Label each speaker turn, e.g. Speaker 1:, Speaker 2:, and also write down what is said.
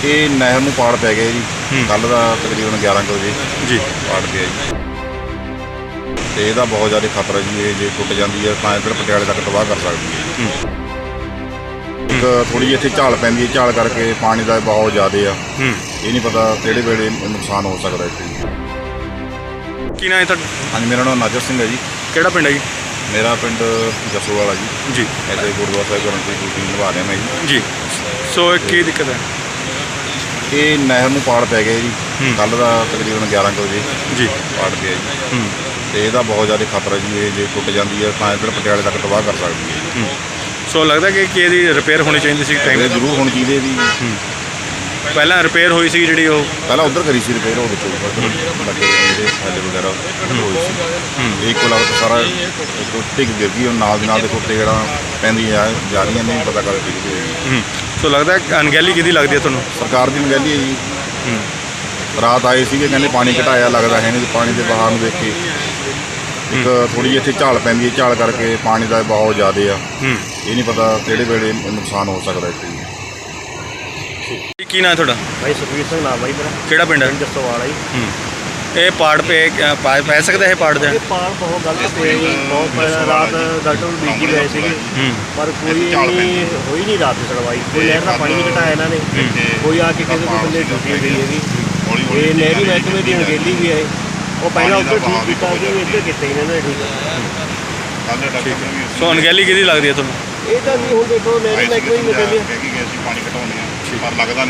Speaker 1: ਇਹ ਨਹਿਰ ਨੂੰ ਪਾੜ ਪੈ ਗਿਆ ਜੀ। ਕੱਲ੍ਹ ਦਾ ਤਕਰੀਬਨ 11 ਕੁ ਵਜੇ
Speaker 2: ਜੀ
Speaker 1: ਪਾੜ ਪਿਆ ਜੀ, ਤੇ ਇਹਦਾ ਬਹੁਤ ਜ਼ਿਆਦਾ ਖਤਰਾ ਜੀ। ਇਹ ਜੇ ਟੁੱਟ ਜਾਂਦੀ ਹੈ ਤਾਂ ਇੱਧਰ ਪਟਿਆਲੇ ਤੱਕ ਤਬਾਹ ਕਰ ਸਕਦੀ ਹੈ। ਇੱਕ ਥੋੜ੍ਹੀ ਜਿਹੀ ਇੱਥੇ ਝਾਲ ਪੈਂਦੀ ਹੈ, ਝਾਲ ਕਰਕੇ ਪਾਣੀ ਦਾ ਬਹੁਤ ਜ਼ਿਆਦਾ ਆ। ਇਹ ਨਹੀਂ ਪਤਾ ਕਿਹੜੇ ਵੇਲੇ ਨੁਕਸਾਨ ਹੋ ਸਕਦਾ ਇੱਥੇ।
Speaker 2: ਕੀ ਨਾਂ ਹੈ ਤੁਹਾਡਾ?
Speaker 1: ਹਾਂਜੀ, ਮੇਰਾ ਨਾਮ ਨਾਜਰ ਸਿੰਘ ਹੈ ਜੀ।
Speaker 2: ਕਿਹੜਾ ਪਿੰਡ ਹੈ ਜੀ?
Speaker 1: ਮੇਰਾ ਪਿੰਡ ਜਸੋਵਾਲਾ ਜੀ।
Speaker 2: ਜੀ
Speaker 1: ਇੱਥੇ ਗੁਰਦੁਆਰਾ ਸਾਹਿਬ ਕਰਨ ਦੀ ਡਿਊਟੀ ਨਿਭਾ ਰਿਹਾ ਮੈਂ ਜੀ।
Speaker 2: ਸੋ ਇਹ ਕੀ ਦਿੱਕਤ ਹੈ?
Speaker 1: ਇਹ ਨਹਿਰ ਨੂੰ ਪਾੜ ਪੈ ਗਿਆ ਜੀ। ਕੱਲ੍ਹ ਦਾ ਤਕਰੀਬਨ 11 ਕੁ ਵਜੇ
Speaker 2: ਜੀ
Speaker 1: ਪਾੜ ਪਿਆ ਜੀ, ਤੇ ਇਹਦਾ ਬਹੁਤ ਜ਼ਿਆਦਾ ਖਤਰਾ ਜੀ। ਇਹ ਜੇ ਟੁੱਟ ਜਾਂਦੀ ਹੈ ਤਾਂ ਇੱਧਰ ਪਟਿਆਲੇ ਤੱਕ ਤਬਾਹ ਕਰ ਸਕਦੀ ਹੈ।
Speaker 2: ਸੋ ਲੱਗਦਾ ਕਿ ਇਹਦੀ ਰਿਪੇਅਰ ਹੋਣੀ ਚਾਹੀਦੀ ਸੀ ਟਾਈਮ
Speaker 1: ਇਹ ਜ਼ਰੂਰ ਹੋਣੀ ਚਾਹੀਦੀ ਹੈ ਜੀ।
Speaker 2: ਪਹਿਲਾਂ ਰਿਪੇਅਰ ਹੋਈ ਸੀ ਜਿਹੜੀ ਉਹ
Speaker 1: ਪਹਿਲਾਂ ਉੱਧਰ ਕਰੀ ਸੀ ਰਿਪੇਅਰ, ਉਹ ਵਿੱਚੋਂ ਲੱਗੇ ਜਿਹੜੇ ਥੱਲੇ ਵਗੈਰਾ ਹੋਈ ਸੀ। ਇਹ ਕੋਲ ਸਾਰਾ ਟਿਕ ਗਿਰ ਗਈ, ਨਾਲ ਦੀ ਨਾਲ ਦੇ ਟੁੱਟੇ ਜਿਹੜਾ ਪੈਂਦੀ ਜਾ ਰਹੀਆਂ, ਨਹੀਂ ਪਤਾ ਕਦ ਟਿਕ ਗਈ।
Speaker 2: ਸੋ ਲੱਗਦਾ ਅਣਗਹਿਲੀ ਕਿਹਦੀ ਲੱਗਦੀ ਹੈ ਤੁਹਾਨੂੰ?
Speaker 1: ਸਰਕਾਰ ਦੀ ਅਣਗਹਿਲੀ ਹੈ ਜੀ। ਰਾਤ ਆਏ ਸੀਗੇ, ਕਹਿੰਦੇ ਪਾਣੀ ਘਟਾਇਆ, ਲੱਗਦਾ ਹੈ ਨਹੀਂ। ਪਾਣੀ ਦੇ ਬਹਾਅ ਨੂੰ ਦੇਖ ਕੇ ਇੱਕ ਥੋੜ੍ਹੀ ਜਿਹੀ ਇੱਥੇ ਝਾਲ ਪੈਂਦੀ ਹੈ, ਝਾਲ ਕਰਕੇ ਪਾਣੀ ਦਾ ਬਹੁਤ ਜ਼ਿਆਦਾ ਆ। ਇਹ ਨਹੀਂ ਪਤਾ ਕਿਹੜੇ ਵੇਲੇ ਨੁਕਸਾਨ ਹੋ ਸਕਦਾ ਇੱਥੇ।
Speaker 2: ਕੀ ਨਾਂ ਹੈ ਤੁਹਾਡਾ?
Speaker 3: ਭਾਈ ਸੁਖਵੀਰ ਸਿੰਘ ਨਾਮ ਬਾਈ ਮੇਰਾ।
Speaker 2: ਕਿਹੜਾ ਪਿੰਡ ਹੈ?
Speaker 3: ਜਸੋਵਾਲਾ ਜੀ।
Speaker 2: ਇਹ ਪਾੜ ਪੈ ਸਕਦਾ ਇਹ ਪਾੜ ਦਾ?
Speaker 3: ਇਹ ਪਾੜ ਬਹੁਤ ਗਲਤ ਪਿਆ ਜੀ। ਬਹੁਤ ਪਹਿਲਾਂ ਰਾਤ ਡਾਕਟਰ ਨੂੰ ਬੀਜੀ ਗਏ ਸੀਗੇ, ਪਰ ਕੋਈ ਇੰਨੀ ਹੋਈ ਨਹੀਂ ਰਾਤ ਦੀ ਸੁਣਵਾਈ। ਕੋਈ ਨਹਿਰ ਦਾ ਪਾਣੀ ਨਹੀਂ ਘਟਾਇਆ ਇਹਨਾਂ ਨੇ, ਕੋਈ ਆ ਕੇ ਕਿਸੇ ਕੋਈ ਬੰਦੇ ਡਿਊਟੀ ਨਹੀਂ ਗਈ ਹੈਗੀ। ਇਹ ਨਹਿਰੀ ਮਹਿਕਮੇ ਦੀ ਅਣਗਹਿਲੀ ਵੀ ਹੈ। ਉਹ ਪਹਿਲਾਂ ਉੱਧਰ ਠੀਕ ਕੀਤਾ ਸੀ, ਇੱਧਰ ਕੀਤਾ ਇਹਨਾਂ ਨੇ ਠੀਕ।
Speaker 2: ਸੋ ਅਣਗਹਿਲੀ ਕਿਹਦੀ ਲੱਗਦੀ ਹੈ ਤੁਹਾਨੂੰ?
Speaker 3: ਇਹ ਤਾਂ ਨਹੀਂ, ਹੁਣ ਦੇਖੋ ਨਹਿਰੀ ਮਹਿਕਮੇ ਦੀ ਅਣਗਹਿਲੀ
Speaker 1: ਪਾਣੀ ਘਟਾਉਂਦੇ ਆ, ਪਰ ਲੱਗਦਾ